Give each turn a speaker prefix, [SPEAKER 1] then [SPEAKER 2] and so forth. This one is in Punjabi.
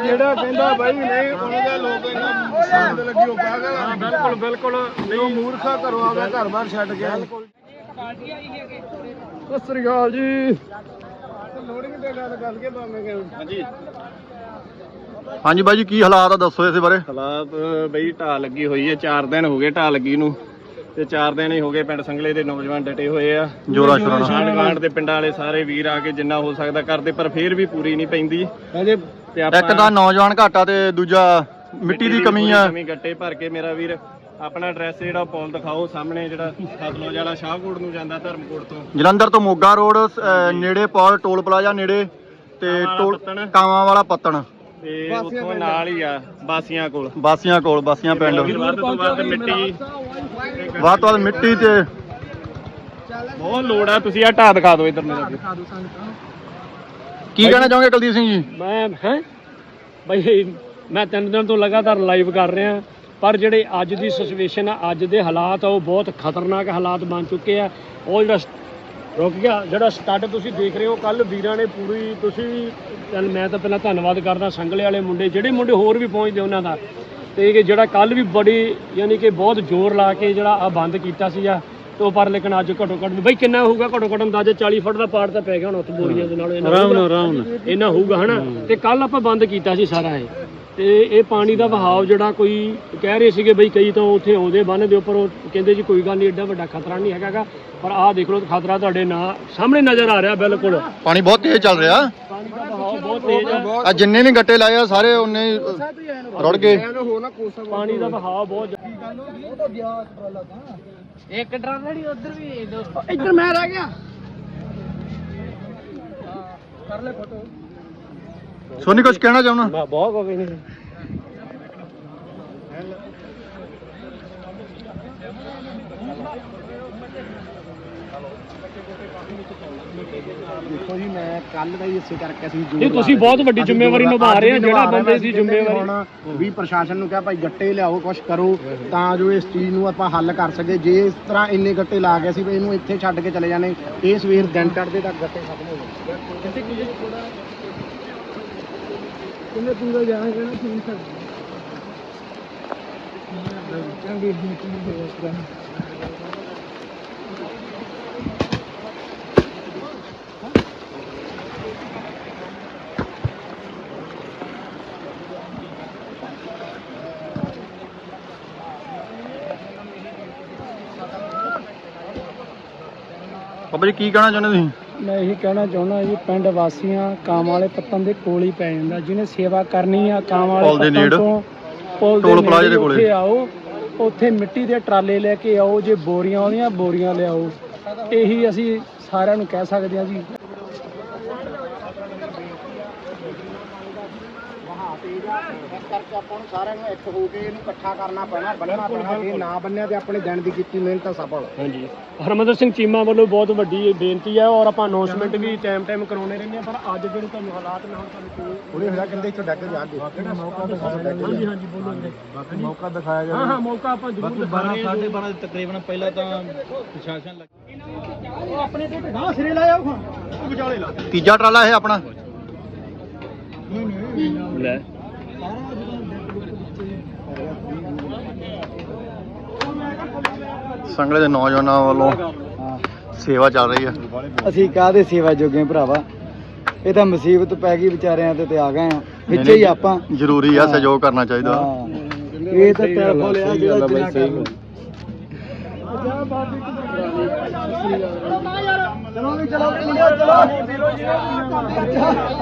[SPEAKER 1] ਜਿਹੜਾ ਕਹਿੰਦਾ ਬਾਈ ਨਹੀਂ ਉਹਦਾ ਲੋਕ ਇਹਨਾਂ ਸੰਦ ਲੱਗੀ ਉਹ ਪਾਗਲ। ਬਿਲਕੁਲ ਬਿਲਕੁਲ ਉਹ ਮੂਰਖਾ ਘਰੋਂ ਆ ਗਿਆ ਘਰ ਬਾਹਰ ਛੱਡ ਗਿਆ। ਸਤਿ ਸ੍ਰੀ ਅਕਾਲ ਜੀ। ਲੋਡਿੰਗ ਤੇ ਗੱਲ ਕਰਕੇ ਭਾਵੇਂ ਹਾਂਜੀ
[SPEAKER 2] ਹਾਂਜੀ ਬਾਈ ਜੀ ਕੀ ਹਾਲਾਤ ਆ ਦੱਸੋ ਇਸ ਬਾਰੇ।
[SPEAKER 1] ਹਾਲਾਤ ਬਈ ਢਾਹ ਲੱਗੀ ਹੋਈ ਹੈ 4 ਦਿਨ ਹੋ ਗਏ ਢਾਹ ਲੱਗੀ ਨੂੰ ਤੇ 4 ਦਿਨ ਹੀ ਹੋ ਗਏ ਪਿੰਡ ਸੰਗਲੇ ਦੇ ਨੌਜਵਾਨ ਡਟੇ ਹੋਏ ਆ
[SPEAKER 2] ਜੋਰਾ ਸ਼ੋਰਾ
[SPEAKER 1] ਆਂਢ ਦੇ ਪਿੰਡਾਂ ਵਾਲੇ ਸਾਰੇ ਵੀਰ ਆ ਕੇ ਜਿੰਨਾ ਹੋ ਸਕਦਾ ਕਰਦੇ ਪਰ ਫੇਰ ਵੀ ਪੂਰੀ ਨਹੀਂ ਪੈਂਦੀ
[SPEAKER 2] ਇੱਕ ਤਾਂ ਨੌਜਵਾਨ ਘਾਟਾ ਤੇ ਦੂਜਾ ਮਿੱਟੀ ਦੀ ਕਮੀ ਆ।
[SPEAKER 1] ਗੱਟੇ ਭਰ ਕੇ ਮੇਰਾ ਵੀਰ ਆਪਣਾ ਐਡਰੈਸ ਜਿਹੜਾ ਪੌਲ ਦਿਖਾਓ ਸਾਹਮਣੇ ਜਿਹੜਾ ਸਤਲੁਜ ਵਾਲਾ ਸ਼ਾਹਕੋਟ ਨੂੰ ਜਾਂਦਾ ਧਰਮਕੋਟ ਤੋਂ
[SPEAKER 2] ਜਲੰਧਰ ਤੋਂ ਮੋਗਾ ਰੋਡ ਨੇੜੇ ਪੌਲ ਟੋਲ ਪਲਾਜ਼ਾ ਨੇੜੇ ਤੇ ਕਾਵਾਂ ਵਾਲਾ ਪੱਤਣ
[SPEAKER 1] ਤੇ ਉੱਥੋਂ ਨਾਲ ਹੀ ਆ ਬਾਸੀਆਂ ਕੋਲ
[SPEAKER 2] ਬਾਸੀਆਂ ਪਿੰਡ
[SPEAKER 1] ਵੱਧ ਤੋਂ ਵੱਧ
[SPEAKER 2] ਮਿੱਟੀ ਤੇ
[SPEAKER 1] ਬਹੁਤ ਲੋੜ ਆ। ਤੁਸੀਂ ਆ ਢਾਹ ਦਿਖਾ ਦਿਓ ਇੱਧਰ ਮੇਰੇ
[SPEAKER 2] ਕੀ ਕਹਿਣਾ ਚਾਹੋਗੇ ਕੁਲਦੀਪ ਸਿੰਘ ਜੀ।
[SPEAKER 3] ਮੈਂ 3 ਦਿਨ ਤੋਂ ਲਗਾਤਾਰ ਲਾਈਵ ਕਰ ਰਿਹਾ ਪਰ ਜਿਹੜੇ ਅੱਜ ਦੀ ਸਿਚੁਏਸ਼ਨ ਆ ਅੱਜ ਦੇ ਹਾਲਾਤ ਆ ਉਹ ਬਹੁਤ ਖਤਰਨਾਕ ਹਾਲਾਤ ਬਣ ਚੁੱਕੇ ਆ। ਉਹ ਜਿਹੜਾ ਰੁਕ ਗਿਆ ਜਿਹੜਾ ਸਟੱਡ ਤੁਸੀਂ ਦੇਖ ਰਹੇ ਹੋ ਕੱਲ ਵੀਰਾਂ ਨੇ ਪੂਰੀ ਤੁਸੀਂ ਮੈਂ ਤਾਂ ਪਹਿਲਾਂ ਧੰਨਵਾਦ ਕਰਦਾ ਸੰਗਲੇ ਵਾਲੇ ਮੁੰਡੇ ਜਿਹੜੇ ਮੁੰਡੇ ਹੋਰ ਵੀ ਪਹੁੰਚਦੇ ਉਹਨਾਂ ਦਾ ਤੇ ਜਿਹੜਾ ਕੱਲ ਵੀ ਬੜੀ ਯਾਨੀ ਕਿ ਬਹੁਤ ਜ਼ੋਰ ਲਾ ਕੇ ਜਿਹੜਾ ਆ ਬੰਦ ਕੀਤਾ ਸੀਗਾ ਤੋਂ ਪਰ ਲੇਕਿਨ ਅੱਜ ਘੱਟੋ ਘੱਟ ਬਈ ਕਿੰਨਾ ਹੋਊਗਾ ਘੱਟੋ ਘੱਟ ਅੰਦਾਜ਼ਾ 40 ਫੁੱਟ ਦਾ ਪਾੜ ਤਾਂ ਪੈ ਗਿਆ ਹੁਣ ਉੱਥੇ ਬੋਰੀਆਂ ਦੇ ਨਾਲ ਇਹਨਾਂ ਹੋਊਗਾ ਹਨਾ ਤੇ ਕੱਲ ਆਪਾਂ ਬੰਦ ਕੀਤਾ ਸੀ ਸਾਰਾ ਇਹ ਤੇ ਇਹ ਪਾਣੀ ਦਾ ਵਹਾਅ ਜਿਹੜਾ ਕੋਈ ਕਹਿ ਰਹੇ ਸੀਗੇ ਬਈ ਕਈ ਤਾਂ ਉੱਥੇ ਆਉਂਦੇ ਬੰਨ ਦੇ ਉੱਪਰ ਉਹ ਕਹਿੰਦੇ ਜੀ ਕੋਈ ਗੱਲ ਨਹੀਂ ਐਡਾ ਵੱਡਾ ਖਤਰਾ ਨਹੀਂ ਹੈਗਾ ਪਰ ਆਹ ਦੇਖ ਲਓ ਖਤਰਾ ਤੁਹਾਡੇ ਸਾਹਮਣੇ ਨਜ਼ਰ ਆ ਰਿਹਾ ਬਿਲਕੁਲ।
[SPEAKER 2] ਪਾਣੀ ਬਹੁਤ ਤੇਜ਼ ਚੱਲ ਰਿਹਾ
[SPEAKER 3] ਪਾਣੀ ਦਾ ਵਹਾਅ ਬਹੁਤ ਤੇਜ਼ ਆ
[SPEAKER 2] ਜਿੰਨੇ ਵੀ ਗੱਟੇ ਲਾਏ ਆ ਸਾਰੇ ਉਹਨੇ ਰੁੜ ਗਏ।
[SPEAKER 3] ਪਾਣੀ ਦਾ ਵਹਾਅ ਬਹੁਤ
[SPEAKER 4] ਇੱਕ ਟਰਾਲਾ ਨਹੀਂ ਉਧਰ ਵੀ
[SPEAKER 3] ਇੱਧਰ ਮੈਂ ਰਹਿ ਗਿਆ
[SPEAKER 4] ਕਰ ਲੈ ਫੋਟੋ
[SPEAKER 2] ਸੋਨੀ ਕੁਝ ਕਹਿਣਾ ਚਾਹੁੰਦਾ।
[SPEAKER 3] ਬਹੁਤ ਕੋਈ ਨਹੀਂ
[SPEAKER 4] ਦੇਖੋ ਜੀ ਮੈਂ ਕੱਲ ਦਾ ਹੀ ਇਸੇ ਕਰਕੇ ਅਸੀਂ
[SPEAKER 3] ਇਹ ਤੁਸੀਂ ਬਹੁਤ ਵੱਡੀ ਜ਼ਿੰਮੇਵਾਰੀ ਨਿਭਾ ਰਹੇ ਆ ਜਿਹੜਾ ਬੰਦੇ ਦੀ ਜ਼ਿੰਮੇਵਾਰੀ
[SPEAKER 4] ਹੁਣ ਵੀ ਪ੍ਰਸ਼ਾਸਨ ਨੂੰ ਕਿਹਾ ਭਾਈ ਗੱਟੇ ਲਿਆਓ ਕੁਝ ਕਰੋ ਤਾਂ ਜੋ ਇਸ ਚੀਜ਼ ਨੂੰ ਆਪਾਂ ਹੱਲ ਕਰ ਸਕੇ। ਜੇ ਇਸ ਤਰ੍ਹਾਂ ਇੰਨੇ ਗੱਟੇ ਲਾ ਗਏ ਸੀ ਵੀ ਇਹਨੂੰ ਇੱਥੇ ਛੱਡ ਕੇ ਚਲੇ ਜਾਣੇ ਇਹ ਸਵੇਰ ਦਿਨ ਚੜ੍ਹਦੇ ਤੱਕ ਗੱਟੇ ਖਤਮ ਹੋ ਗਏ। ਕਿੰਨੇ ਪੂਰਾ ਜਾਣਗੇ ਨਾ ਤੁਸੀਂ ਚੰਗੀ
[SPEAKER 2] ਬਾਬਾ ਜੀ ਕੀ ਕਹਿਣਾ ਚਾਹੁੰਦੇ ਤੁਸੀਂ।
[SPEAKER 3] ਮੈਂ ਇਹੀ ਕਹਿਣਾ ਚਾਹੁੰਦਾ ਜੀ ਪਿੰਡ ਵਾਸੀਆਂ ਕਾਮ ਵਾਲੇ ਪੱਤਨ ਦੇ ਕੋਲ ਹੀ ਪੈ ਜਾਂਦਾ ਜਿਹਨੇ ਸੇਵਾ ਕਰਨੀ ਆ ਕਾਮ ਵਾਲੇ ਪੱਤਨ ਤੋਂ
[SPEAKER 2] ਟੋਲ ਪਲਾਜ਼ੇ ਦੇ ਕੋਲੇ
[SPEAKER 3] ਆਓ ਉੱਥੇ ਮਿੱਟੀ ਦੇ ਟਰਾਲੇ ਲੈ ਕੇ ਆਓ ਜੇ ਬੋਰੀਆਂ ਆਉਂਦੀਆਂ ਬੋਰੀਆਂ ਲਿਆਓ ਇਹੀ ਅਸੀਂ ਸਾਰਿਆਂ ਨੂੰ ਕਹਿ ਸਕਦੇ ਹਾਂ ਜੀ।
[SPEAKER 4] ਕਰਕੇ ਆਪਾਂ ਨੂੰ ਸਾਰਿਆਂ ਨੂੰ ਇੱਕ ਹੋ ਕੇ ਇਹਨੂੰ ਇਕੱਠਾ ਕਰਨਾ ਪੈਣਾ ਬੰਨਣਾ ਪੈਣਾ ਜੇ ਨਾ ਬੰਨਿਆ ਤੇ ਆਪਣੇ ਦਿਨ ਦੀ ਕੀਤੀ ਮਿਹਨਤ ਸਫਲ।
[SPEAKER 3] ਹਾਂਜੀ ਹਰਮੰਦਰ ਸਿੰਘ ਚੀਮਾ ਵੱਲੋਂ ਬਹੁਤ ਵੱਡੀ ਬੇਨਤੀ ਹੈ ਔਰ ਆਪਾਂ ਅਨਾਉਂਸਮੈਂਟ ਵੀ ਟਾਈਮ ਕਰਾਉਣੇ ਰਹਿੰਦੇ ਆ ਪਰ ਅੱਜ ਜਿਹੜੇ ਤੁਹਾਨੂੰ ਹਾਲਾਤ ਮੈਂ ਹੁਣ ਤੁਹਾਨੂੰ
[SPEAKER 4] ਥੋੜੀ ਹੋਇਆ ਕਹਿੰਦੇ ਇੱਥੋਂ ਡੱਕ ਜਾ ਕੇ ਮੌਕਾ ਦਿਖਾਇਆ
[SPEAKER 3] ਹਾਂਜੀ ਹਾਂਜੀ ਬੋਲੋ
[SPEAKER 4] ਬਾਕੀ ਮੌਕਾ ਦਿਖਾਇਆ ਜਾਵੇ।
[SPEAKER 3] ਹਾਂ ਮੌਕਾ ਆਪਾਂ ਜ਼ਰੂਰ ਦਿਖਾ ਰਹੇ ਹਾਂ।
[SPEAKER 4] 12:30 ਤਕਰੀਬਨ ਪਹਿਲਾਂ ਤਾਂ ਪ੍ਰਸ਼ਾਸਨ ਲੱਗ ਆਪਣੇ ਤੇ ਨਾ ਸਿਰੇ ਲਾਇਆ ਉਹ ਵਿਚਾਲੇ ਲਾ
[SPEAKER 2] ਤੀਜਾ ਟਰਾਲਾ ਇਹ ਆਪਣਾ
[SPEAKER 3] ਲੈ
[SPEAKER 2] ਸੰਗਲੇ ਦੇ ਨੌਜਵਾਨਾਂ ਵੱਲੋਂ ਸੇਵਾ ਚੱਲ ਰਹੀ ਆ।
[SPEAKER 4] ਅਸੀਂ ਕਾਹਦੇ ਸੇਵਾ ਜੋਗੇ ਭਰਾਵਾ ਇਹ ਤਾਂ ਮੁਸੀਬਤ ਪੈ ਗਈ ਵਿਚਾਰਿਆਂ ਤੇ ਆ ਗਏ ਆ ਵਿੱਚ ਹੀ ਆਪਾਂ
[SPEAKER 2] ਜ਼ਰੂਰੀ ਆ ਸਹਿਯੋਗ ਕਰਨਾ ਚਾਹੀਦਾ।
[SPEAKER 4] ਇਹ ਤਾਂ ਟੈਲੀਫੋਨ ਲਿਆ ਜਿਹੜਾ ਬਾਈ ਸਹੀ ਚਲੋ ਵੀ ਚਲੋ ਚਲੋ